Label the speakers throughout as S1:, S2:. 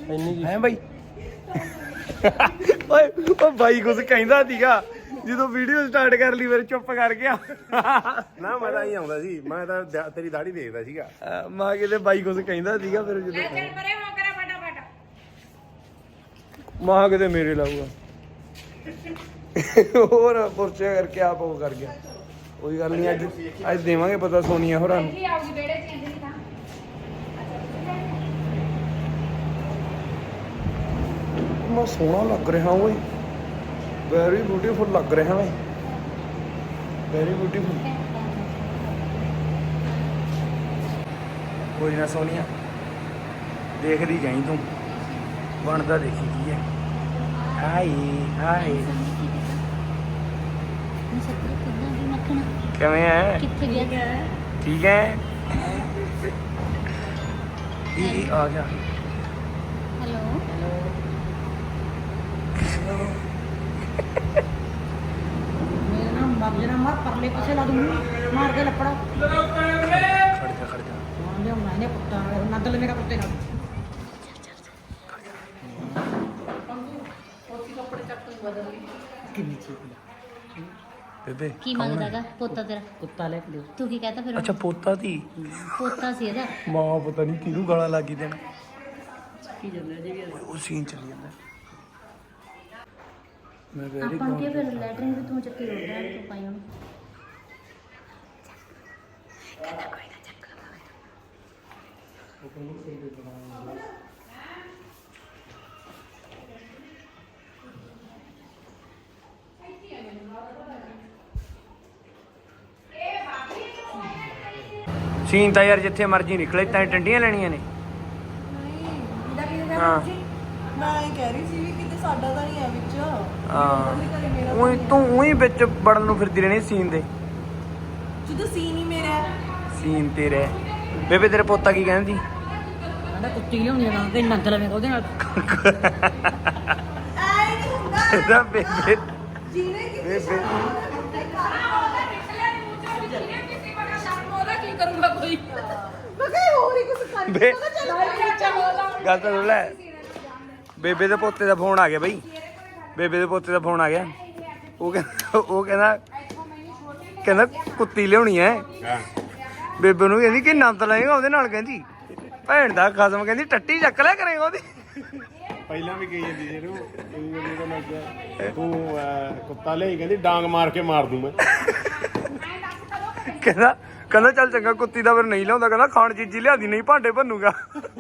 S1: ਹੈ ਬਾਈ ਓਏ ਉਹ ਬਾਈ ਕੁਝ ਕਹਿੰਦਾ ਸੀਗਾ ਜਦੋਂ ਵੀਡੀਓ ਸਟਾਰਟ ਕਰ ਲਈ ਫਿਰ ਚੁੱਪ ਕਰ ਗਿਆ
S2: ਨਾ ਮੈਂ ਤਾਂ ਹੀ ਆਉਂਦਾ ਸੀ, ਮੈਂ ਤਾਂ ਤੇਰੀ ਦਾੜੀ ਦੇਖਦਾ ਸੀਗਾ।
S1: ਮਾਂ ਕਿਤੇ ਬਾਈ ਕੁਝ ਕਹਿੰਦਾ ਸੀਗਾ ਫਿਰ ਜਦੋਂ ਮਾਂ ਕਿਤੇ ਮੇਰੇ ਲਾਊਗਾ ਹੋਰ ਪੁਰਚੇ ਕਰਕੇ ਆਪ ਉਹ ਕਰ ਗਿਆ। ਕੋਈ ਗੱਲ ਨਹੀਂ, ਅੱਜ ਦੇਵਾਂਗੇ ਪਤਾ ਸੋਨੀਆ ਹੋਰਾਂ ਨੂੰ। ਮੈਂ ਸੋਹਣਾ ਲੱਗ ਰਿਹਾ ਓਏ, ਵੈਰੀ ਬਿਊਟੀਫੁਲ ਲੱਗ ਰਿਹਾ ਓਏ, ਵੈਰੀ ਬਿਊਟੀਫੁਲ। ਕੋਈ ਨਾ ਸੋਨੀਆ, ਦੇਖਦੀ ਜਾਈਂ ਤੂੰ, ਬਣਦਾ ਦੇਖੀ ਕੀ ਹੈ। ਹਾਏ ਹਾਏ ਕਿਵੇਂ ਹੈ? ਠੀਕ ਹੈ। ਇਹ ਆ ਗਿਆ।
S3: मार परले पासे ला दूंगी, मार के लपड़ा
S1: खड़ जा
S3: मैंने कुत्ता नदल मेरा कुत्ते ना
S1: ਬੇਬੇ
S4: ਕੀ ਮੰਗਦਾਗਾ ਪੋਤਾ ਤੇਰਾ?
S3: कुत्ता ले के
S4: ਤੂੰ ਕੀ ਕਹਤਾ ਫਿਰ?
S1: ਅੱਛਾ ਪੋਤਾ ਦੀ
S4: ਪੋਤਾ ਸੀ ਇਹਦਾ।
S1: ਮਾਂ ਪਤਾ ਨਹੀਂ ਕਿਹਨੂੰ ਗਾਲਾਂ ਲੱਗੀ ਦੇਣ।
S3: की जल्दी जी
S1: ਉਹ ਸੀਨ ਚੱਲ ਜਾਂਦਾ। ਮੈਂ ਵੈਰੀ
S4: ਆਪਾਂ ਕੀ ਫਿਰ ਲੈਟਰਿੰਗ ਵੀ ਤੂੰ ਚੱਕੀ ਰੋੜਾ ਹੈ ਤੂੰ ਪਾਈ ਉਹਨੂੰ।
S1: ਸੀਨ ਤਾਂ ਯਾਰ ਜਿੱਥੇ ਮਰਜ਼ੀ ਨਿਕਲੇ ਤਾਂ ਟੰਡੀਆਂ ਲੈਣੀਆਂ ਨੇ। ਹਾਂ
S5: ਮੈਂ ਇਹ ਕਹਿ ਰਹੀ ਸੀ ਵੀ ਕਿਤੇ ਸਾਡਾ ਤਾਂ ਨਹੀਂ ਹੈ ਵਿੱਚ।
S1: ਹਾਂ ਉਹੀ ਤੂੰ ਉਹੀ ਵਿੱਚ ਵੜਨ ਨੂੰ ਫਿਰਦੀ ਰਹਿਣੀ ਸੀਨ ਦੇ।
S5: ਜਦੋਂ ਸੀਨ ਹੀ ਮੇਰਾ ਹੈ।
S1: ਸੀਨ ਤੇਰੇ ਬੇਬੇ ਤੇਰੇ ਪੋਤਾ ਕੀ ਕਹਿੰਦੀ?
S3: ਕਹਿੰਦਾ ਕੁੱਤੀ ਲਿਆਉਣੀ ਆ ਕਿ ਨਦਲ ਮੇਰਾ ਉਹਦੇ ਨਾਲ
S5: ਐ ਨਹੀਂ ਹੁੰਦਾ
S1: ਇਹਦਾ ਬੇਬੇ
S5: ਜਿਹਨੇ ਕਿਤੇ
S1: ਬੇਬੇ
S3: ਕੀ ਕਰੂੰਗਾ ਕੋਈ
S5: ਮੈਂ ਕਿਹਾ ਹੋਰ ਹੀ ਕੁਝ ਕਰ
S1: ਬੇ-
S5: ਚੱਲ
S1: ਗੱਲ ਤਾਂ ਸੁਣ ਲੈ। ਬੇਬੇ ਦੇ ਪੋਤੇ ਦਾ ਫੋਨ ਆ ਗਿਆ ਬਈ, ਬੇਬੇ ਦੇ ਪੋਤੇ ਦਾ ਫੋਨ ਆ ਗਿਆ। ਉਹ ਕਹਿੰਦਾ ਕੁੱਤੀ ਲਿਆਉਣੀ ਐ। ਬੇਬੇ ਨੂੰ ਕਹਿੰਦੀ ਕਿ ਨੰਦ ਲਏਗਾ ਉਹਦੇ ਨਾਲ, ਕਹਿੰਦੀ ਭੈਣ ਦਾ ਖਸਮ, ਕਹਿੰਦੀ ਟੱਟੀ ਚੱਕ ਲਿਆ ਕਰੇਗਾ ਉਹਦੀ।
S2: ਪਹਿਲਾਂ ਵੀ ਕਹੀ ਜਾਂਦੀ ਸੀ ਇਹਨੂੰ, ਜਦੋਂ ਮੈਂ ਕਿਹਾ ਤੂੰ ਕੁੱਤਾ ਲਿਆਈ, ਕਹਿੰਦੀ ਡਾਂਗ ਮਾਰ ਕੇ ਮਾਰ ਦੂੰ ਮੈਂ।
S1: ਕਹਿੰਦਾ ਚੱਲ ਚੰਗਾ ਕੁੱਤੀ ਦਾ ਫਿਰ ਨਹੀਂ ਲਿਆਉਂਦਾ, ਕਹਿੰਦਾ ਖਾਣ ਚੀਜ਼ੀ ਲਿਆਦੀ ਨਹੀਂ ਭਾਂਡੇ ਭੰਨੂਗਾ।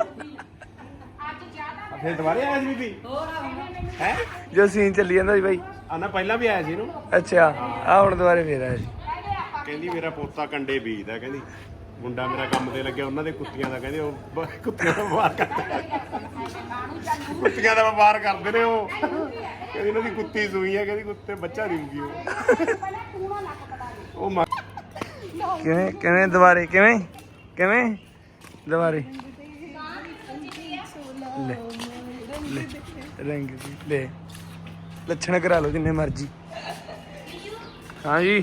S2: ਫਿਰ ਦੁਬਾਰੇ ਆਇਆ ਸੀ ਬੀਬੀ ਹੈ
S1: ਜੋ ਸੀਨ ਚੱਲੀ ਜਾਂਦਾ ਸੀ ਬਾਈ।
S2: ਆਨਾ ਪਹਿਲਾਂ ਵੀ ਆਇਆ ਸੀ ਇਹਨੂੰ,
S1: ਅੱਛਾ ਆ ਹੁਣ ਦੁਬਾਰੇ ਫੇਰ ਆਇਆ ਸੀ।
S2: ਕਹਿੰਦੀ ਮੇਰਾ ਪੋਤਾ ਕੰਡੇ ਬੀਜਦਾ, ਕਹਿੰਦੀ ਮੁੰਡਾ ਮੇਰਾ ਕੰਮ ਤੇ ਲੱਗਿਆ ਉਹਨਾਂ ਦੇ ਕੁੱਤੀਆਂ ਦਾ, ਕਹਿੰਦੇ ਉਹ ਕੁੱਤੀਆਂ ਦਾ ਵਪਾਰ ਕਰਦੇ, ਕੁੱਤੀਆਂ ਦਾ ਵਪਾਰ ਕਰਦੇ ਨੇ ਉਹ। ਕਹਿੰਦੀ ਇਹਨਾਂ ਦੀ ਕੁੱਤੀ ਸੂਈ ਹੈ, ਕਹਿੰਦੀ ਕੁੱਤੇ ਬੱਚਾ ਦੇਊਗੀ ਉਹ।
S1: ਕਿਵੇਂ ਕਿਵੇਂ ਦੁਬਾਰੇ ਕਿਵੇਂ ਕਿਵੇਂ ਦੁਬਾਰੇ ਲੈ ਲੈ ਰੰਗ ਵੀ ਲੈ ਲੱਛਣ ਕਰਾ ਲਓ ਜਿੰਨੇ ਮਰਜੀ। ਹਾਂਜੀ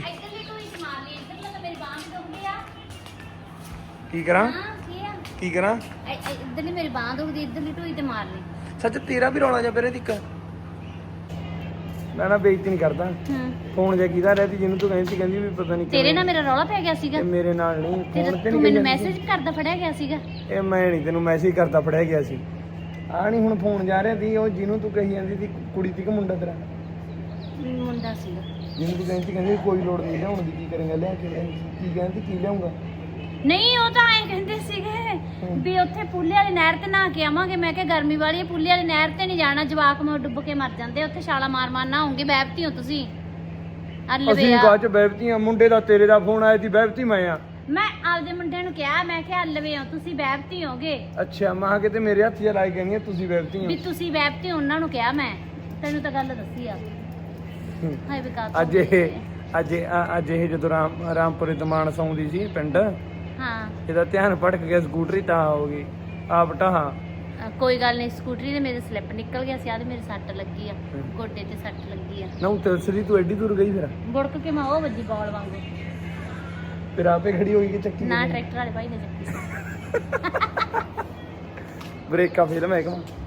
S1: ਕੀ ਕਰਾਂ ਕੀ ਕਰਾਂ?
S4: ਇੱਧਰਲੀ ਮੇਰੀ ਬਾਂਹ ਦੁਖਦੀ, ਇੱਧਰਲੀ ਢੋਈ ਤੇ ਮਾਰ ਲਈ।
S1: ਸੱਚ ਤੇਰਾ ਵੀ ਰੌਲਾ ਜਾ ਪਰੇ ਦਿੱਕ। ਮੈਂ ਨਾ ਬੇਇੱਜ਼ਤੀ ਨਹੀਂ ਕਰਦਾ। ਫੋਨ ਜਾ ਕਿਹਦਾ ਰਹਿ ਤੀ ਜਿਹਨੂੰ ਤੂੰ ਕਹਿੰਦੀ ਸੀ, ਕਹਿੰਦੀ ਵੀ ਪਤਾ ਨਹੀਂ
S4: ਤੇਰੇ ਨਾਲ ਮੇਰਾ ਰੌਲਾ ਪੈ ਗਿਆ ਸੀਗਾ।
S1: ਇਹ ਮੇਰੇ ਨਾਲ ਨਹੀਂ ਫੋਨ ਤੇ
S4: ਤੂੰ
S1: ਨਹੀਂ
S4: ਮੈਨੂੰ ਮੈਸੇਜ ਕਰਦਾ ਫੜਿਆ ਗਿਆ ਸੀਗਾ।
S1: ਇਹ ਮੈਂ ਨਹੀਂ ਤੈਨੂੰ ਮੈਸੇਜ ਕਰਦਾ ਫੜਿਆ ਗਿਆ ਸੀ। ਆ ਨਹੀਂ ਹੁਣ ਫੋਨ ਜਾ ਰਿਹਾ ਸੀ, ਉਹ ਜਿਹਨੂੰ ਤੂੰ ਕਹੀ ਜਾਂਦੀ ਸੀ ਕੁੜੀ ਸੀ ਕਿ ਮੁੰਡਾ ਤੇਰਾ?
S4: ਮੁੰਡਾ ਸੀਗਾ
S1: ਜਿਹਨੂੰ ਤੂੰ ਕਹਿੰਦੀ ਕਹਿੰਦੀ ਕੋਈ ਲੋੜ ਨਹੀਂ ਲਿਆਉਣ ਦੀ, ਕੀ ਕਰੇਂਗਾ ਲਿਆ ਕੇ ਕੀ ਕਹਿੰਦੀ ਕੀ ਲਿਆਉਂਗਾ?
S4: ਨਹੀਂ ਉਹ ਤਾਂ ਐਂ ਕਹਿੰਦੇ ਸੀਗੇ ਵੀ ਉੱਥੇ ਪੁੱਲੇ ਵਾਲੀ ਨਹਿਰ ਤੇ ਨਹਾ ਕੇ ਆਵਾਂਗੇ। ਮੈਂ ਕਿਹਾ ਗਰਮੀ ਵਾਲੀ ਹੈ, ਪੁੱਲੇ ਵਾਲੀ ਨਹਿਰ ਤੇ ਨਹੀਂ ਜਾਣਾ, ਜਵਾਕ ਮੋਰ ਡੁੱਬ ਕੇ ਮਰ ਜਾਂਦੇ ਉੱਥੇ, ਛਾਲਾ ਮਾਰ ਮਾਰ ਨਾ ਹੋਣਗੇ। ਬੈਬਤੀ ਹੋ ਤੁਸੀਂ?
S1: ਅਸੀਂ ਬਾਅਦ ਚ ਬੈਬਤੀ ਆ। ਮੁੰਡੇ ਦਾ ਤੇਰੇ ਦਾ ਫੋਨ ਆਇਆ ਸੀ, ਬੈਬਤੀ ਮੈਂ ਆ।
S4: ਮੈਂ ਆਪਦੇ ਮੁੰਡੇ ਨੂੰ ਕਿਹਾ, ਮੈਂ ਕਿਹਾ ਲਵੇ ਹੋ ਤੁਸੀਂ, ਬੈਬਤੀ ਹੋਗੇ।
S1: ਅੱਛਾ ਮੈਂ ਕਿਤੇ ਮੇਰੇ ਹੱਥ 'ਚ ਲਾਈ ਕਹਿੰਦੀ ਤੁਸੀਂ ਬੈਬਤੀ
S4: ਵੀ
S1: ਹੋ।
S4: ਤੁਸੀਂ ਬੈਬਤੀ ਹੋ, ਉਹਨਾਂ ਨੂੰ ਕਿਹਾ ਮੈਂ। ਤੈਨੂੰ ਤਾਂ ਗੱਲ ਦੱਸੀ ਆ। ਹਾਏ ਵਿਕਾਸ
S1: ਅੱਜ ਇਹ ਜਦੋਂ ਰਾਮਪੁਰੇ ਦਮਾਨ ਸੌਂਦੀ ਸੀ ਪਿੰਡ,
S4: ਹਾਂ
S1: ਇਹਦਾ ਧਿਆਨ ਭਟਕ ਗਿਆ, ਸਕੂਟਰੀ ਤਾਂ ਹੋ ਗਈ ਆਪ ਢਾਹਾਂ।
S4: ਕੋਈ ਗੱਲ ਨਹੀਂ, ਸਕੂਟਰੀ ਦੇ ਮੇਰੇ ਸਲਿੱਪ ਨਿਕਲ ਗਿਆ ਸੀ, ਆਦੇ ਮੇਰੇ ਸੱਟ ਲੱਗੀ ਆ, ਗੋਡੇ ਤੇ ਸੱਟ ਲੱਗੀ ਆ।
S1: ਨਾ ਉਤਰਸਰੀ ਤੂੰ ਐਡੀ ਦੂਰ ਗਈ ਫਿਰ?
S4: ਬੁੜਕ ਕੇ ਮੈਂ ਉਹ ਵੱਜੀ ਬਾਲ ਵਾਂਗੂ।
S1: ਫਿਰ ਆਪੇ ਖੜੀ ਹੋਈ ਕਿ ਚੱਕੀ
S4: ਨਾ ਟਰੈਕਟਰ ਵਾਲੇ ਭਾਈ ਨੇ ਚੱਕੀ।
S1: ਬ੍ਰੇਕਾਂ ਫੇਲ ਮੈਂ ਕਹਾਂ